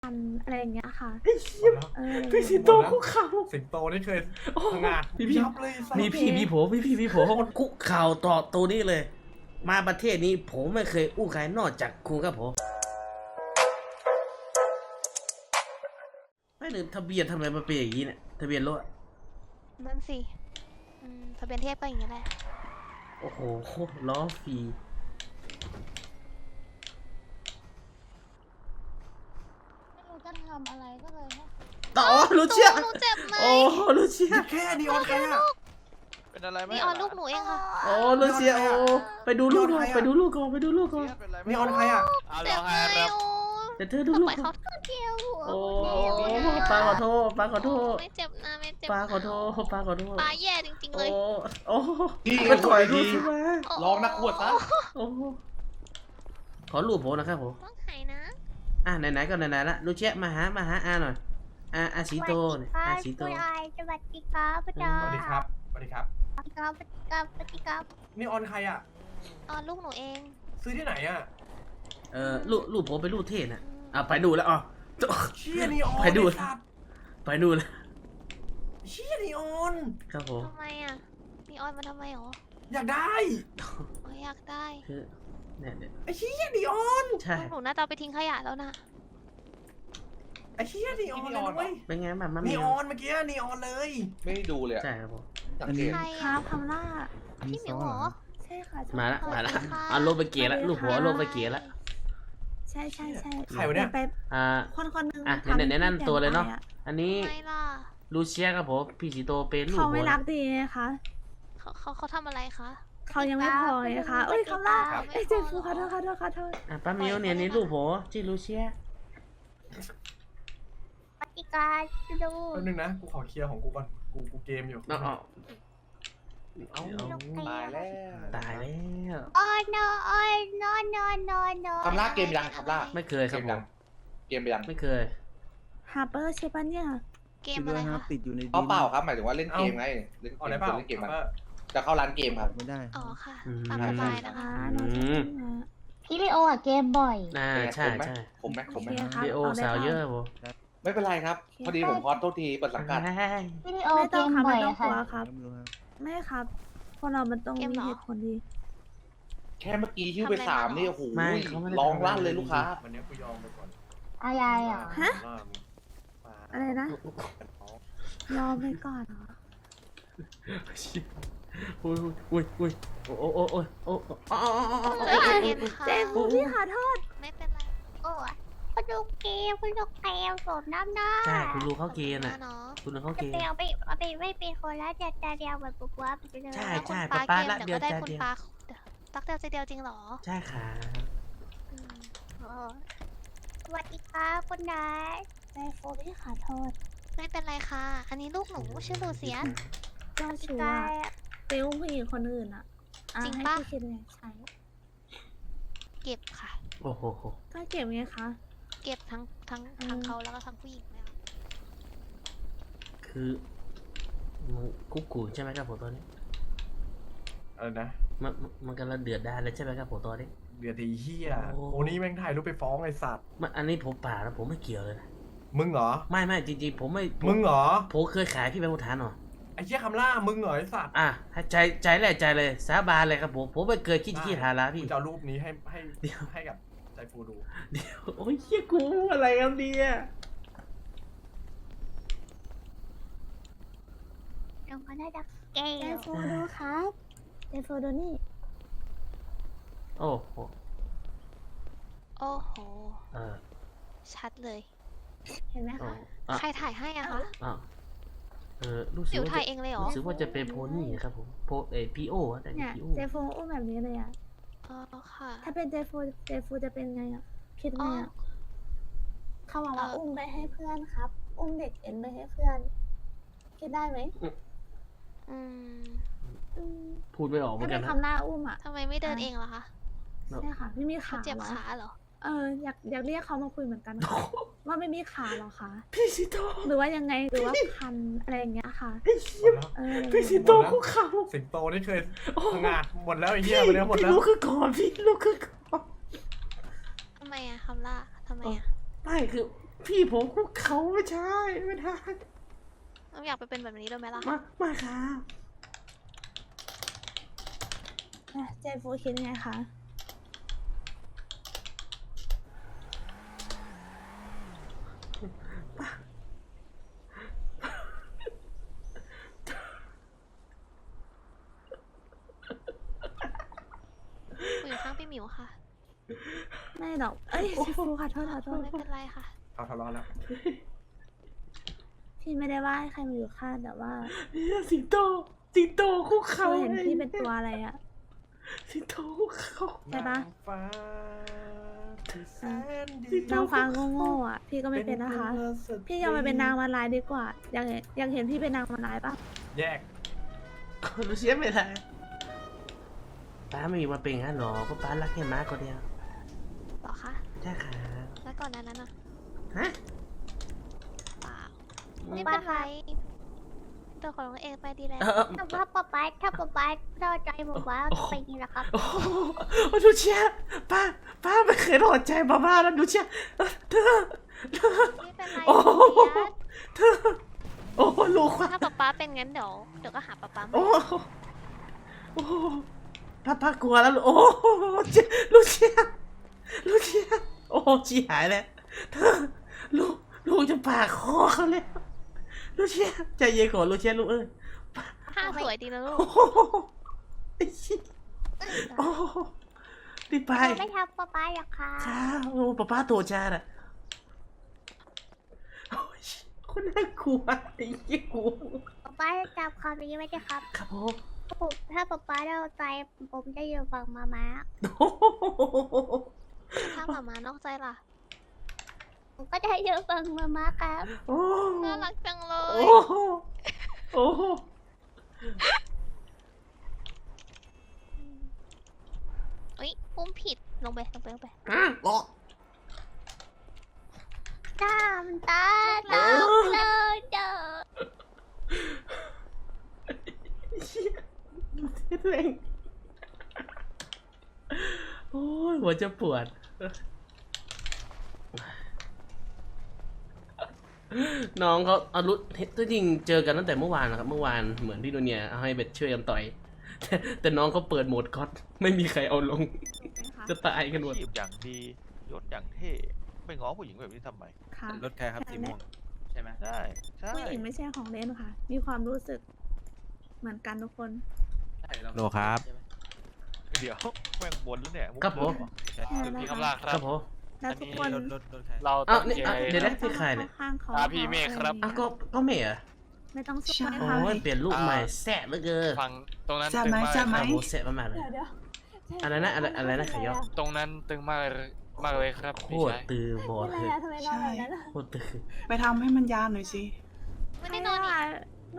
อะไรอย่างเงี้ยค่ะพี่สิงโตคุกเข่าสิงโตนี่เคยพังงาดพี่ยับเลยมีพี่ผมคุกเข่าต่อตัวนี้เลย มาประเทศนี้ผมไม่เคยอู้ใครนอกจากคุณครับผมไม่หนึ่งทะเบียนทำไมมันเป็นอย่างนี้เนี่ยทะเบียนรถนั่นสิทะเบียนเทพก็อย่างนี้แหละโอ้โหล้อฟรีไม่รู้จะทำอะไรก็เลยให้ต่อลูเชียหนูเจ็บไหมโอ้ลูเชียแค่นีออนใครอะเป็นอะไรไหมนี่ออนลูกหนูเองค่ะโอ้ลูเชียโอ้ไปดูลูกก่อนไปดูลูกก่อนไปดูลูกก่อนเป็นอะไรไหมนีออนใครอะเจ็บไหมโอ้เดี๋ยวเธอดูลูกปล่อยก่อเขานเที่ยวหัวโอ้ป้าขอโทษป้าขอโทษไม่เจ็บนะไม่เจ็บป้าขอโทษป้าขอโทษปลาแย่จริงๆเลยโอ้พี่ก็ถอยดูสิมาลองนักขวดซะโอ้ขอรูปผมนะครับผมต้องหายนะไหนๆก็ไหนๆละลูเชียมาหาอาหน่อยอาสีโตเนี่ยอาสีโตคุณอายสวัสดีครับพี่ดาสวัสดีครับสวัสดีครับสวัสดีครับสวัสดีครับสวัสดีครับนีออนใครอะออนลูกหนูเองซื้อที่ไหนอะรูปผมเป็นรูปเท่น่ะไปดูแล้วอ๋อเชี่ยนีออนไปดูไอ้สัตว์ไปดูแล้วเชี่ยนีออนครับผมทำไมอ่ะนี่ออนมาทำไมหรออยากได้อยากได้คือเนี่ยไอ้เชี่ยนีออนใช่ลูกหนูน่าจะเอาไปทิ้งขยะแล้วนะไอ้เชี่ยนีออนเลยนะเว้ยเป็นไงบ้างนีออนเมื่อกี้นีออนเลยไม่ได้ดูเลยอะใช่ครับผมสังเกตใครครัอ่ะบคำล่าพี่หมิวเหรอใช่ค่ะมาละสวัสดีค่ะเอาลงไปเกียร์ละลูกหัวลงไปเกียร์ละใช่ใช่ใครวะเนี่ยไปอ่าคนหนึงอ่ะทำแนะนำตัวเลยเนาะให้อันนี้ทำไมล่ะลูเชียครับผมพี่สีโตเป็นลูกเขาหัไม่วรักดีไงคะเขาทำอะไรคะเขายังไม่พอไงคะเอ้ยคำล่าครับเอ้ยเจ็บฟูขอโทษขอโทษขอโทษป้ามิวเนี่ยนี่ลูกหัวชื่อลูเชียสวัสดีครับพี่ดูแป๊บนึงนะกูขอเคลียร์ของกูก่อนกูเกมอยู่เนาะเอ้าตายแล้วตายแล้วโอ้ยนอนนอนนอนนอนนอนคำล่าเกมยังคำล่าไม่เคยครับผมเกมยังไม่เคยฮาร์เปอร์ใช่ปะเนี่ยเกมอะไรคะติดอยู่ในเอาเปล่าครับหมายถึงว่าเล่นเกมไงเล่นเอาเกได้มเปล่าเล่นเกมมันเอาจะเข้าร้านเกมครับไม่ได้อ๋อค่ะตามสบายนะคะน้องจะขึ้นมาพี่ลีโออะเกมบ่อยใช่ใช่ผมไหมโอเคครับพี่โอสาวเยอะผมไม่เป็นไรครับ พอดีผมพอโทษทีเปิดสังกัดพี่ลีโอไม่เกต้องมครับบ่ไม่อยต้องอะกลัค่ะวครับไม่รู้ครับไม่ครับคนเรามันต้องมีเหตุผลดีแค่เมื่อกี้ชื่อไป3นี่โอ้โหไม่เขาไม่ได้ร้องลั่นเลยลูกค้าวันนี้กูยอมไปก่อนอายายอ่ะฮะว่ามึงมาอะไรนะยอมไปก่อนเหรออุ้ยโอ้ใจเย็นๆค่ะเจฟูพี่ขอโทษไม่เป็นไรโอ้ยคุณดูเกมคุณดูเกมสมน้ำหน้าใช่คุณรู้เขาเกณฑ์นะอ่ะเนาะคุณรู้เขาจะเกณฑ์เดียวไปไม่เป็นคนแล้วจะเดียวแบบปุ๊บปั๊บไปเลยใช่คุณป้าปาละเกมเดี๋ยวก็ได้เดียวคุณเดียวปาตักเดียวใจเดียวจริงเหรอใช่ค่ะอืมโอ้สวัสดีครับคุณนายเจฟูพี่ขอโทษไม่เป็นไรค่ะ อันนี้ลูกหนูชื่อลูเซียสเจ้าชู้กาอะยไปอุ้มผู้หญิงคนอื่นอะอ่ะจริงให้ปะพี่คิดไงใช่เก็บค่ะโอ้โหก็เก็บไงคะเก็บทั้งเขาแล้วก็ทั้งผู้หญิงเลยค่ะคือมันกุ๊กกูใช่ไหมครับผมตอนนี้อะไรนะมันกำลังเดือดดาลเลยใช่ไหมครับผมตอนนี้เดือดทีเฮียโอ้โอ้นี่แม่งถ่ายรูปไปฟ้องไอ้สัตว์อันนี้ผมป่านะผมไม่เกี่ยวเลยนะมึงเหรอไม่จริงๆผมไม่มึงเหรอผมเคยขายพี่เป็นผู้ฐานหรอไอ้เชี่ยคำล่ามึงเหรอไอ้สัตว์ให้ใจแรกใจเลยสาบานเลยครับผมไม่เคยขี้หาละพี่กูจะเอารูปนี้ให้เดี๋ยวให้กับใจฟูดูเดี๋ยวโอ้ยเฮียกูอะไรครับเนี่ยน้องก็น่าจะเกเจมฟูดูครับเจฟูดูนี่โอ้โหโอ้โหเออชัดเลยเห็นไหมอ๋อคะใครถ่ายให้อะคะรู้หสึมิกวว่าถ่ายเองเลยเหรอรู้สึกว่าจะเป็นโพนี่ครับผมพีโอแต่เนี่ยพีโอเจฟูอุ้มแบบนี้เลยอะอ๋อค่ะถ้าเป็นเจฟูจะเป็นไงอะคิดไงอ๋ออะเขาบอกว่าอุ้มไปให้เพื่อนครับ อุ้มเด็กเอ็นไปให้เพื่อน คิดได้ไหมอืมอืมพูดไม่ออกเหมือถ้านกัเป็น นนะคำหน้าอุ้มอะทำไมไม่เดินเองล่ะคะใช่ค่ะไม่มีเขาขาเจ็บหรอขาเหรออยากเรียกเขามาคุยเหมือนกันค่ะว่าไม่มีขาหรอคะพี่สิโตหรือว่ายังไงหรือว่าพันอะไรอย่างเงี้ยค่ะหมดแล้วพี่สิโตคุกเข่าสิงโตนี่เคยพังงาดหมดแล้วไอ้เหี้ยวันนี้หมดแล้วลูกคือก่อนพี่ลูกคือก่อนทำไมอะคำล่าทำไมอะไม่คือพี่ผมคุกเขาไม่ใช่ไม่ได้เราอยากไปเป็นแบบนี้ด้วยไหมล่ะมาครับเจฟูคิดไงคะกูอยู่ข้างพี่หมิวค่ะไม่หรอกเอ้ยเจฟูขอโทษไม่เป็นไรค่ะเขาทะเลาะแล้วพี่ไม่ได้ว่าให้ใครมาอยู่ข้างแต่ว่าสิงโตคุกเขาเห็นพี่เป็นตัวอะไรอะสิงโตคุกเขาใช่ปะนางฟ้าที่แสนดีนางฟ้าโง่ๆอ่ะ พี่ก็ไม่เป็นนะคะ พี่ยอมไปเป็นนางมาลายดีกว่า อยากเห็นพี่เป็นนางมาลายปะแยกลูเชียไม่ได้ป้าไม่มีมาเป็นงั้นหรอก็ป้ารักแค่ม้าคนเดียวหรอคะใช่ค่ะแล้วก่อนนั้นน่ะฮะเปล่าไม่เป็นไรตัวของเราเองไปดีแล้วถ้าป๊าป๊าเข้าใจผมว่าไปนี่แหละครับโอ้โหลูเชียป้าไม่เคยรอดใจบ้าๆแล้วลูเชียเธอไม่เป็นไรโอ้โหเดี๋ยวโอ้ลูกว่าถ้าป๊าเป็นงั้นเดี๋ยวก็หาป๊าใหม่โอ้ป้ากลัวแล้วโอ้ลูเชียโอ้ชีหายแล้วเธอลูกจะปากคอเขาแล้วลูเชียใจเย็นก่อนลูเชียลูกผ้าสวยดีนะลูกโอ้ไอ้ชิโอ้รีบไปไม่ทำป๊าหรอกค่ะค่ะโอ้ป้าโตจ้าน่ะโอ้ยคนน่ากลัวไอ้ยี่กลัวป๊าจำคำนี้ไว้ด้วยครับครับผมถ้าป๊าเข้าใจผมจะอยู่ฝั่งมาถ้าหมามานอกใจล่ะผมก็จะอยู่ฝั่งมาครับโอ้น่ารักจังเลโอ้ยโอ้เอ้ยอุ้มผิดลงไปหรอตามเลยเด้อเร่งโอ้ยหัวจะปวดน้องเขาอารุที่จริงเจอกันตั้งแต่เมื่อวานนะครับเมื่อวานเหมือนพี่โดเนียเอาให้เบ็ดช่วยกันต่อยแต่น้องเขาเปิดโหมดก๊อตไม่มีใครเอาลงจะตายกันหมดขีบอย่างดียศอย่างเท่ไปง้อผู้หญิงแบบนี้ทำไมค่ะรถใครครับสีม่วงใช่ไหมใช่ผู้หญิงไม่ใช่ของเล่นค่ะ มีความรู้สึกเหมือนกันทุกคนโลครับเดี๋ยวแม่งบนแล้วเนี่ยครับผมพี่คำลาคครัรับบผมแล้วทุกคนรถใครเราอ้าตั้วงนี่ใจเดี๋ยวนะพี่ใครเนี่ยข้างเขาพี่เมฆครับอ้าวก็เมย์เหรอไม่ต้องช่วยโอ้ค่ะยเปลี่ยนรูปใหม่แซ่บเหลือเกินฟังตรงนั้นจะตึงไหมมากจะไหมโอ้โหแซ่บมากๆเลยเดี๋ยวอะไรนะขยอตรงนั้นตึงมากเลยครับโคพี่ตรชายตือบอเป็นดไรเลยอะทำไมนอนแบบนั้นอะโคตรตือไปทำให้มันยาวหน่อยสิไม่ได้นอนอีกหนู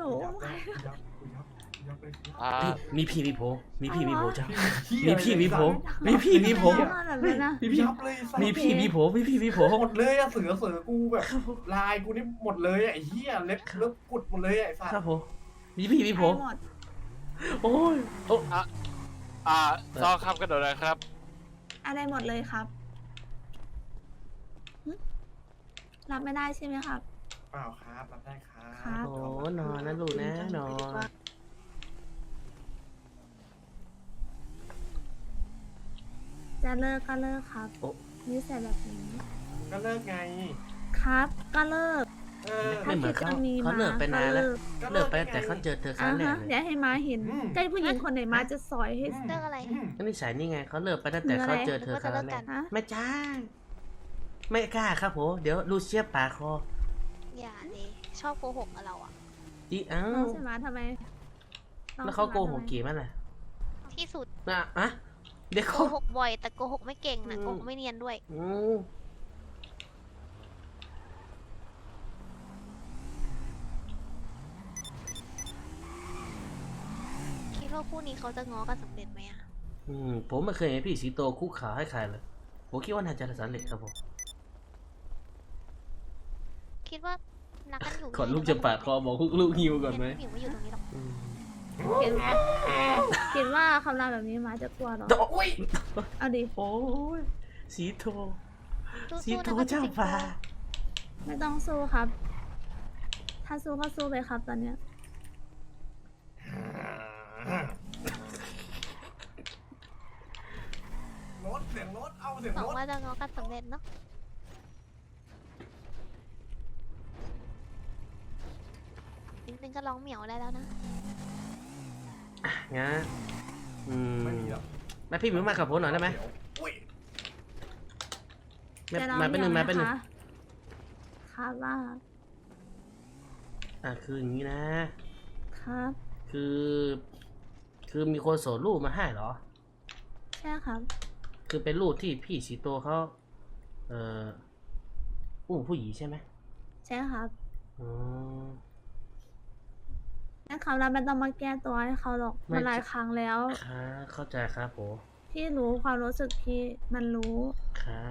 อ่ามีพี่มีโผจ้ามีมีพี่มีโผมีพี่มีโผนอนแบบนั้นนะมีพี่ยับเลยสัตว์มีพี่มีโผหมดเลยอะเสือกูแบบลายกูนี่หมดเลยอะไอ้เหี้ยเล็บกุดหมดเลยอะไอ้สัตครับว์ผมมีพี่มีโผหมดโอ้ยโอ้ซอครับกระโดดเลยครับอะไรหมดเลยครับหึรับไม่ได้ใช่ไหมครับเปล่าครับรับได้ครัครับ บโอ้นอนนะลูกนะนอนจะเลิกก็เลิกครับนิสัยแบบนี้ก็เลิกไงครับ ก็เลิกไม่เหมือนเขาเขาเลิกไปนานแล้วเลิกไปแต่เขาเจอเธอครั้งแรกเลยเดี๋ยวให้มาเห็นใกล้ผู้หญิงคนไหนมาจะสอยให้เรื่องอะไรก็นิสัยนี่ไงเขาเลิกไปตั้งแต่เขาเจอเธอครั้งแรกฮะไม่จ้าไม่กล้าครับผมเดี๋ยวลูเชียปาคออย่าเลยชอบโกหกกับเราอ่ะอีอ้าน้องวใช่ไหมทำไมน้องแล้วเขาโกหกใช่ไมกี่มันล่ะที่สุดอะเดี๋ยวโกเขาหกบ่อยแต่โกหกไม่เก่งนะโกหกไม่เนียนด้วย คิดว่าคู่นี้เขาจะง้อกันสำเร็จไหมอะผมไม่เคยเห็นพี่สีโตคุกขาให้ใครเลยผมคิดว่าน่าจะสำเร็จครับผมคิดว่ารักกันอยู่ขอลูกจะปาดคอบอกลูกหิวก่อนไหมพี่หมิวไม่อยู่ตรงนี้หรอกคิดว่าคำรามแบบนี้มาจะกลัวเหรอโอ้ยเอาดิโอ้ยสีโทสู้ๆสีโทนะคะเจ้าสิงโตฟ้าไม่ต้องสู้ครับ ถ้าสู้ก็สู้ไปครับตอนเนี้ยรถเสียงรถเอาเสียงหวังรถว่าจะง้อกันสำเร็จเนาะนิดนึงก็ร้องเหมียวได้แล้วนะงั้นไม่มีหรอกแม่พี่หมิวมากับผมหน่อยได้ไหมอุ้ยแม่จะร้องมาเป็นหนึ่งเดี่มายวเป็นหนึ่งะคะครับว่าคืออย่างนี้นะครับคือมีคนส่งรูปมาให้เหรอใช่ครับคือเป็นรูปที่พี่สีโตเขาอุ้มผู้หญิงใช่ไหมใช่ครับอ๋อแต่เขาเราไม่ต้องมาแก้ตัวให้เขาหรอกไม่มันหลายครั้งแล้วครับเข้าใจครับผมพี่รู้ความรู้สึกพี่มันรู้ครับ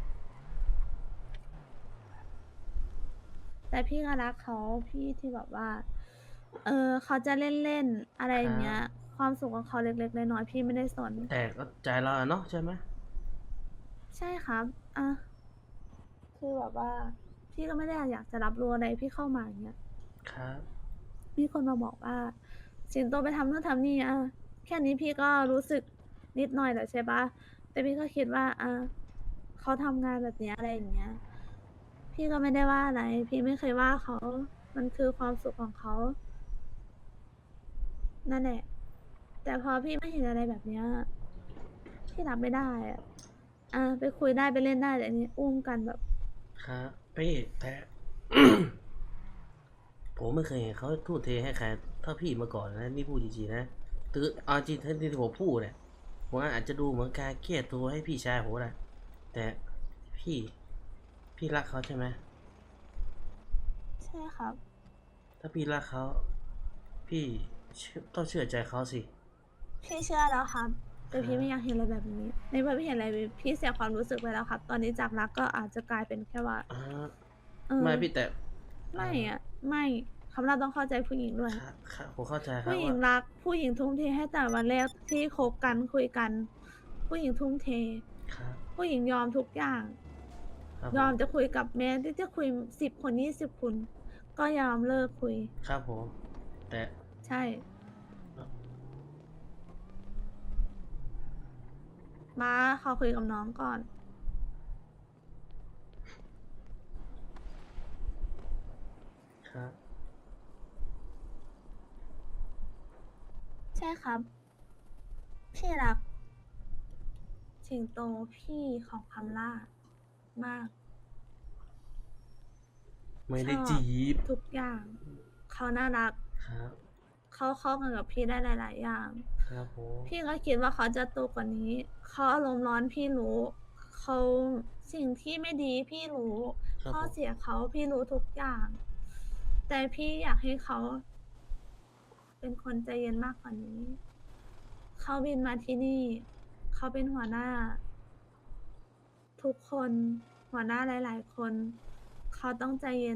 แต่พี่ก็รักเขาพี่ที่แบบว่า เขาจะเล่นๆอะไรอย่างเงี้ย ความสุขของเขาเล็กๆน้อยๆพี่ไม่ได้สนแต่ก็ใจเราอะเนาะใช่ไหมใช่ครับอ่ะคือแบบว่า พี่ก็ไม่ได้อยากจะรับรู้อะไรพี่เข้ามาอย่างเงี้ยครับมีคนมาบอกว่า สิงโตไปทำนู่นทำนี่อ่ะแค่นี้พี่ก็รู้สึกนิดหน่อยแล้วใช่ปะแต่พี่ก็คิดว่าเขาทำงานแบบเนี้ยอะไรอย่างเงี้ย พี่ก็ไม่ได้ว่าอะไร พี่ไม่เคยว่าเขา มันคือความสุขของเขา นั่นแหละ แต่พอพี่ไม่เห็นอะไรแบบเนี้ยพี่รับไม่ได้ไปคุยได้ไปเล่นได้แต่อันนี้อุ้มกันแบบครับพี่แต่ ผมไม่เคยเห็นเขาทุ่มเทให้ใครเท่าพี่มาก่อนนะนี่พูดจริงๆนะคือเอาจริงที่ผมพูดเนี่ยผมอาจจะดูเหมือนการเกลียดตัวให้พี่ชายผมนะแต่พี่รักเขาใช่ไหมใช่ครับถ้าพี่รักเขาพี่ต้องเชื่อใจเขาสิพี่เชื่อแล้วครับ แต่พี่ไม่อยากเห็นอะไรแบบนี้ ในเมื่อพี่เห็นอะไรพี่เสียความรู้สึกไปแล้วครับ ตอนนี้จากรักก็อาจจะกลายเป็นแค่ว่าอ่าเออไม่พี่แต่ไม่ไม่คำเราต้องเข้าใจผู้หญิงด้วยครับผมเข้าใจครับผู้หญิงว่ารัก ผู้หญิงทุ่มเทให้แต่วันแรกที่คบกันคุยกัน ผู้หญิงทุ่มเทครับผู้หญิงยอมทุกอย่างครับยอมจะคุยกับแม่ที่จะคุย10 คน20 คนก็ยอมเลิกคุยครับผมแต่ใช่ มาขอคุยกับน้องก่อนครับใช่ครับ พี่รัก สิงโตพี่ของคำล่ามากไม่ได้ชอบจีบทุกอย่าง เขาน่ารักครับเขาเข้ากันกับพี่ได้หลาย ๆ อย่างครับผมพี่ก็คิดว่าเขาจะโตกว่านี้ เขาอารมณ์ร้อนพี่รู้ เขาสิ่งที่ไม่ดีพี่รู้ครับข้อผมเสียเขาพี่รู้ทุกอย่าง แต่พี่อยากให้เขา เป็นคนใจเย็นมากกว่านี้ เขาบินมาที่นี่ เขาเป็นหัวหน้า ทุกคนหัวหน้าหลาย ๆ คน เขาต้องใจเย็น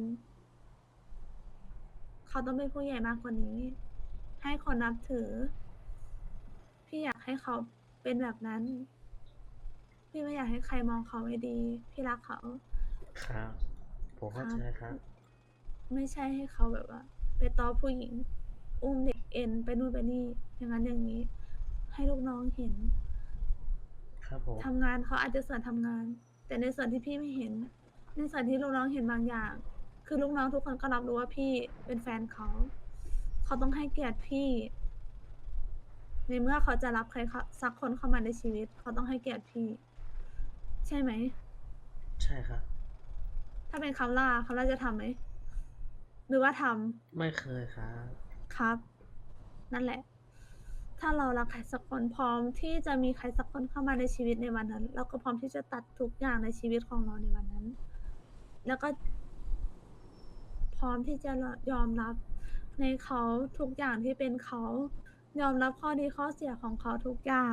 เขาต้องเป็นผู้ใหญ่มากกว่านี้ ให้คนนับถือ พี่อยากให้เขาเป็นแบบนั้น พี่ไม่อยากให้ใครมองเขาไม่ดี พี่รักเขาครับ ผมเข้าใจครับไม่ใช่ให้เขาแบบว่า ไปต้อผู้หญิง อุ้มเด็กเอ็นไปนู่นไปนี่ อย่างนั้นอย่างนี้ ให้ลูกน้องเห็นครับผมทำงานเขาอาจจะส่วนทำงาน แต่ในส่วนที่พี่ไม่เห็น ในส่วนที่ลูกน้องเห็นบางอย่าง คือลูกน้องทุกคนก็รับรู้ว่าพี่เป็นแฟนเขา เขาต้องให้เกียรติพี่ ในเมื่อเขาจะรับใครสักคนเข้ามาในชีวิต เขาต้องให้เกียรติพี่ ใช่ไหมใช่ครับถ้าเป็นคำล่าจะทำไหม หรือว่าทำไม่เคยครับครับ นั่นแหละ ถ้าเรารักใครสักคนพร้อมที่จะมีใครสักคนเข้ามาในชีวิตในวันนั้น เราก็พร้อมที่จะตัดทุกอย่างในชีวิตของเราในวันนั้น แล้วก็พร้อมที่จะยอมรับในเขาทุกอย่างที่เป็นเขา ยอมรับข้อดีข้อเสียของเขาทุกอย่าง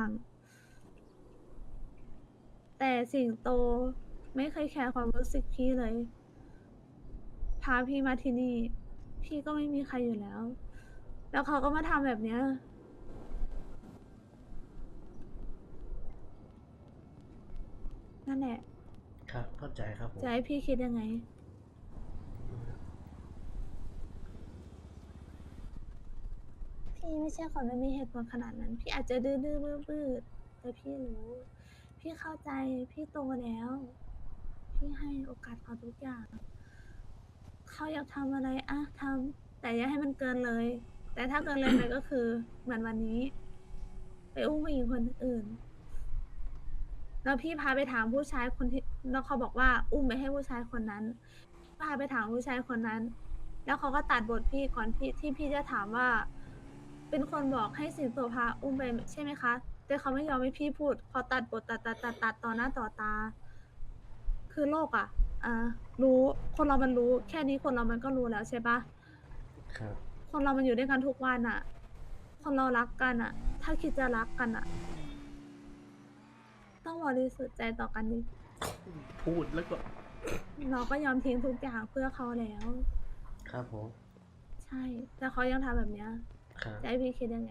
แต่สิงโตไม่เคยแคร์ความรู้สึกพี่เลย พาพี่มาที่นี่ พี่ก็ไม่มีใครอยู่แล้ว แล้วเขาก็มาทำแบบเนี้ย นั่นแหละครับ เข้าใจครับผมจะให้พี่คิดยังไงพี่ไม่ใช่คนไม่มีเหตุผลขนาดนั้น พี่อาจจะดื้อบื้อแต่พี่รู้ พี่เข้าใจพี่โตแล้ว พี่ให้โอกาสเขาทุกอย่าง เขาอยากทำอะไรอะทำแต่อย่าให้มันเกินเลย แต่ถ้าเกินเลยไปก็คือเหมือนวันนี้ ไปอุ้มผู้หญิงคนอื่น แล้วพี่พาไปถามผู้ชายคนที่แล้วเขาบอกว่าอุ้มไปให้ผู้ชายคนนั้น พาไปถามผู้ชายคนนั้น แล้วเขาก็ตัดบทพี่ก่อนที่พี่จะถามว่า เป็นคนบอกให้สิงโตพาอุ้มไปใช่ไหมคะ แต่เขาไม่ยอมให้พี่พูดเขาตัดบทตัดต่อหน้าต่อตา คือโลกอ่ะ รู้คนเรามันรู้ แค่นี้คนเรามันก็รู้แล้วใช่ปะครับคนเรามันอยู่ด้วยกันทุกวันอ่ะ คนเรารักกันอ่ะ ถ้าคิดจะรักกันอ่ะ ต้องบริสุทธิ์ใจต่อกันดิพูดแล้วก็เราก็ยอมทิ้งทุกอย่างเพื่อเขาแล้วครับผมใช่ แต่เขายังทำแบบเนี้ยครับจะให้พี่คิดยังไง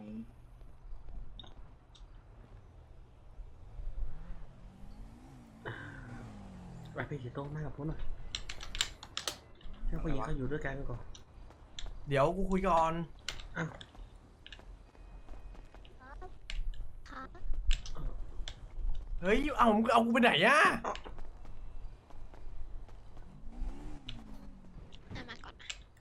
ไปพี่สิงโตมากับผมหน่อยเจ้าผู้หญิงเขาอยู่ด้วยกันก่อนเดี๋ยวกูคุยก่อนอ้าวค่ะเฮ้ยเอามึงเอากูไปไหนอะมาก่อนนะ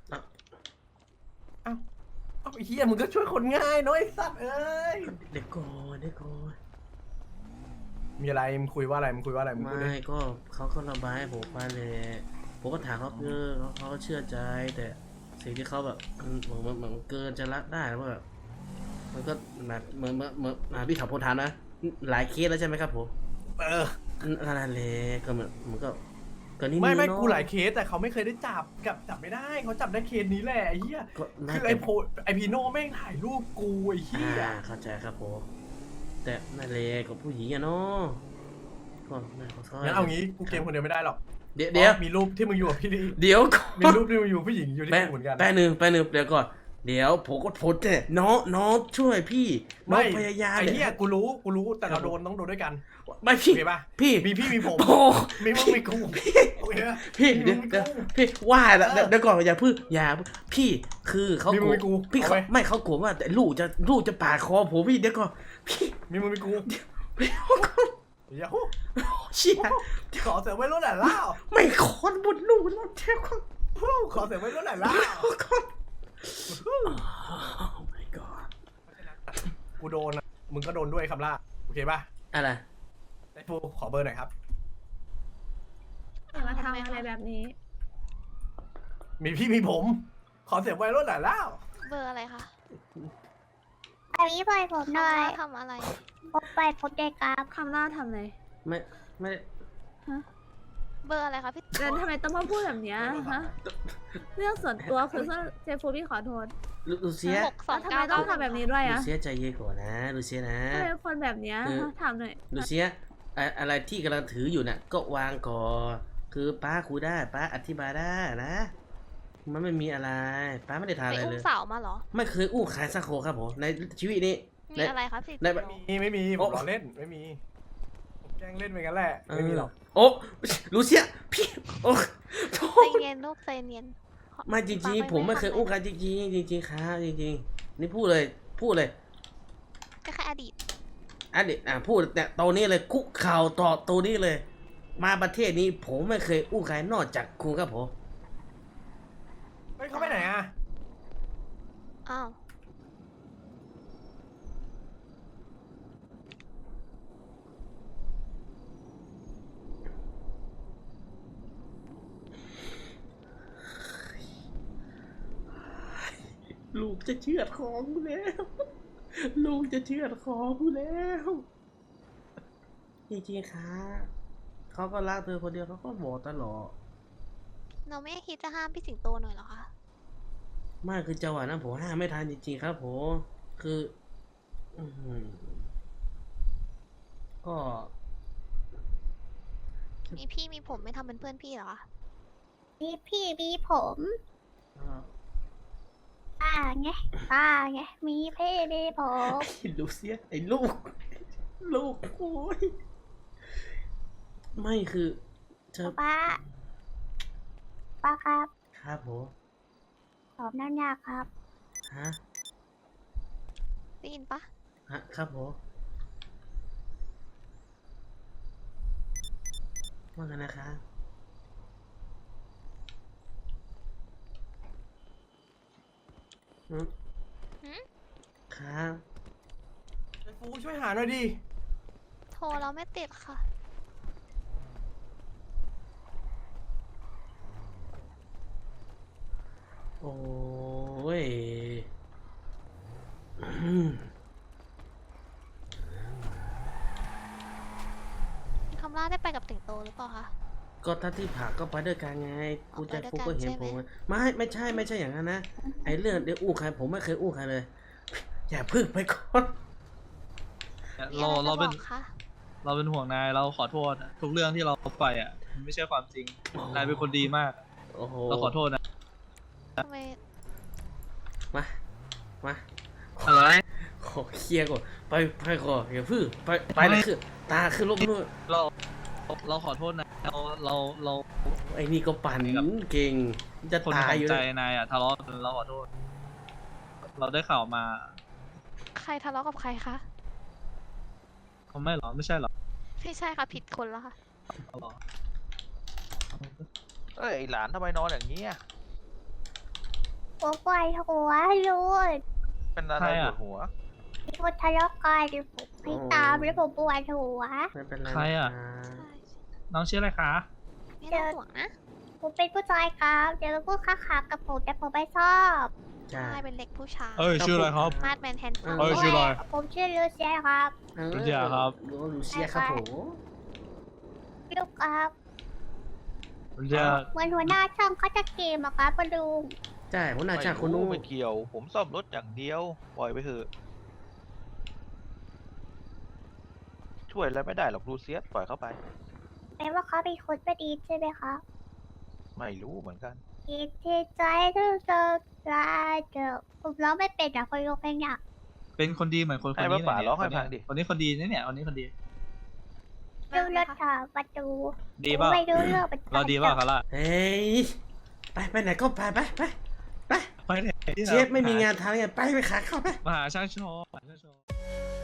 เอาไอ้เหี้ยมึงก็ช่วยคนง่ายเนาะไอ้สัตว์เอ้ยเด็กก่อนเด็กก่อนมีอะไรมึงคุยว่าอะไรมึงคุยว่าอะไรมึงพูดดิไม่ก็เขาก็ระบายให้ผมฟังเลยผมก็ถามเขาเขาก็เชื่อใจ แต่สิ่งที่เขาแบบเหมือนเกินจะรับได้ว่าแบบมันก็แบบเหมือนพี่ขับพลทานนะหลายเคสแล้วใช่ไหมครับผมเออนั่นแหละก็เหมือนก็นี่ไม่เนอะกูหลายเคสแต่เขาไม่เคยได้จับไม่ได้เขาจับได้เคสนี้แหละไอ้เหี้ยก็น่าคือจะไอพีโน่แม่งถ่ายรูปกูไอ้เหี้ยเข้าใจครับผมแต่นั่นแหละกับผู้หญิงอะเนาะก็น่าขอโทษงั้นเอางี้กูเกมคนเดียวไม่ได้หรอกเดี๋ยวเพราะมีรูปที่มึงอยู่กับพี่ดิเดี๋ยวก่อนมีรูปที่มึงอยู่ผู้หญิงอยู่ที่กูเหมือนกันแป๊บนึงเดี๋ยวก่อนเดี๋ยวผมก็ทนแต่น้องช่วยพี่น้องพยายามไอ้นี่เหี้ยกูรู้แต่เราต้องโดนด้วยกันไม่โอพี่เคป่ะพี่มีพี่มีผมโอ้มีมึงมีกูโอเคป่ะพี่มีเดี๋ยวมึงมีเดี๋ยวกูพี่ว่าแล้วเออเดี๋ยวก่อนอย่าพึ่งพี่คือเขามีกมึลังวมีกูพี่เอาเขาไว้ไม่เขากลัวว่าแต่ลูกจะปาดคอผมพี่เดี๋ยวก่อนพี่มีมึงมีกูเดี๋ยวก่อนเดี๋ยวเชี่ยขอเสียงไว้รุ่นหน่อยเล่าไม่คอนบนลูกแล้วเดี๋ยวก่อนขอเสียงไว้รุ่นหน่อยเล่าก่อน Oh my god กูโดนนะมึงก็โดนด้วยคำล่าโอเคป่ะอะไรไอ้ฟูขอเบอร์หน่อยครับอย่ามาทำอะไรแบบนี้มีพี่มีผม ขอเสียงไว้รุ่นหน่อยเล่าเบอร์อะไรคะอันนี้ปล่อยผมหน่อยทำอะไรผมไปผมได้ครับคำล่าทำอะไรไม่ฮะเบอร์อะไรคะพี่แล้วทำไมต้องมาพูดแบบเนี้ยฮะ เรื่องส่วนตัวคือเจฟูพี่ขอโทษลูเซียแล้วทำไมต้องทำแบบนี้ด้วยลูอะเซียใจเย็นก่อนนะลูเซียนะทำไมเป็นคนแบบเนี้ยฮะถามหน่อยลูเซียอะไรที่กำลังถืออยู่น่ะก็วางก่อนคือป้าคุยได้ป้าอธิบายได้นะ มันไม่มีอะไรป้าไม่ได้ทำไปอะไรอุ้เลมยสาวมาเหรอไม่เคยอู้ขายสักโคครับผมในชีวิตนี้มีอะไรคะพี่ในไม่มีผมล้อเล่นไม่มีผมแกล้งเล่นไปงั้นแหละไม่มีหรอกโอ้ลูเซียพี่โอ้โทใจษเย็นลูกใจเย็นไม่จริงๆผมไม่เคยอู้ใครจริงๆจริงๆครับจริงๆนี่พูดเลยก็แค่อดีตอันนี้พูดเนี่ยตัวนี้เลยคุกเข่าต่อตัวนี้เลย มาประเทศนี้ผมไม่เคยอู้ใครนอกจากคุณครับผมเฮ้ยเขาไปไหนอ่ะอ้าวลูกจะเชือดคอกูแล้ว ลูกจะเชือดคอกูแล้วจริงๆครับเขาก็รักเธอคนเดียวเขาก็บอกตลอดเราไม่คิดจะห้ามพี่สิงโตหน่อยเหรอคะไม่คือจังหวะนั้นผมห้ามไม่ทันจริงๆครับผมคืออื้อหือก็มีพี่มีผมไม่ทำเป็นเพื่อนพี่เหรอคะมีพี่มีผมเอ่อป้าไงมีพี่มีผมไอ้ลูเซียไอ้ลูกโอ้ยไม่คือเธอป้าครับครับผมผมนั่นยากครับฮะได้ยินปะฮะครับผมว่ากันนะครับครับไอ้ฟูช่วยหาหน่อยดิโทรเราไม่ติดค่ะโอ้ยคำล่าได้ไปกับติ่งโตหรือเปล่าคะก็ถ้าที่ผักก็ไปด้วยกันไงอ๋อกูจะไปด้วยฟุกกันก็เห็นใช่ไหมผมอะไม่ใช่อย่างนั้นนะ ไอ้เรื่องเดี๋ยวอู้ใครผมไม่เคยอู้ใครเลย อย่าพึ่งไปก่อนมีอะไรจะบอกคะเราเป็นห่วงนายเราขอโทษทุกเรื่องที่เราไปอ่ะมันไม่ใช่ความจริงนายเป็นคนดีมากโอ้โหเราขอโทษนะทำไมมาอะไรขอเคลียร์ก่อนไปก่อนอย่าพึ่งไปเลยคือตาคือลบนู่นเราขอโทษนะเราไอ้นี่ก็ปั่นเก่ง จะคนตาขยองอยู่ใจแล้วนายอ่ะทะเลาะกันเราขอโทษ เราได้ข่าวมาใครทะเลาะกับใครคะเขาไม่หรอไม่ใช่หรอไม่ใช่ค่ะผิดคนแล้วค่ะเอาหรอเอ้ยไอ้หลานทำไมนอนอย่างนี้อะหัวปวดหัวลูกเป็นอะไรปวดหัวมีคนทะเลาะกันผมให้ตามแล้วผมปวดหัวไม่เป็นไรใครอ่ะนใช่น้องชื่ออะไรคะไม่ต้องห่วงนะผมเป็นผู้ชายครับเดี๋ยวพูดค้ากับผมแต่ผมไม่ชอบจ้าใช่เป็นเด็กผู้ชายเอ้ยชื่ออะไรครับมาดแมนแฮนด์ซัมเอ้ยชื่ออะไรผมชื่อลูเซียครับลูเซียครับลูเซียครับผมลูกครับมันจะเหมือนหัวหน้าช่องเขาจะเกมอะครับปะลุงใช่หัวหน้าช่างคนนู้นไม่เกี่ยว ผมซ่อมรถอย่างเดียว ปล่อยไปเถอะ ช่วยอะไรไม่ได้หรอกลูเซียสปล่อยเข้าไปแปลว่าเขาเป็นคนไม่ดีใช่ไหมครับไม่รู้เหมือนกันอีกที่ใจที่จะลาเจอผมร้องไม่เป็นอะคนลงเพลงอะเป็นคนดีเหมือนคนให้นี้ป้าเลยร้องให้ฟังดิคนนี้คนดีนะเนี่ยคนนี้คนดีดูรถถามประตูดีเปล่าไม่รู้เรื่องเป็นเราดีเปล่าคาร่าเฮ้ยไปไหนก็ไปไปไหนที่เชฟไม่มีงานทำไงไปขาเข้าไปมหาช่างโชว์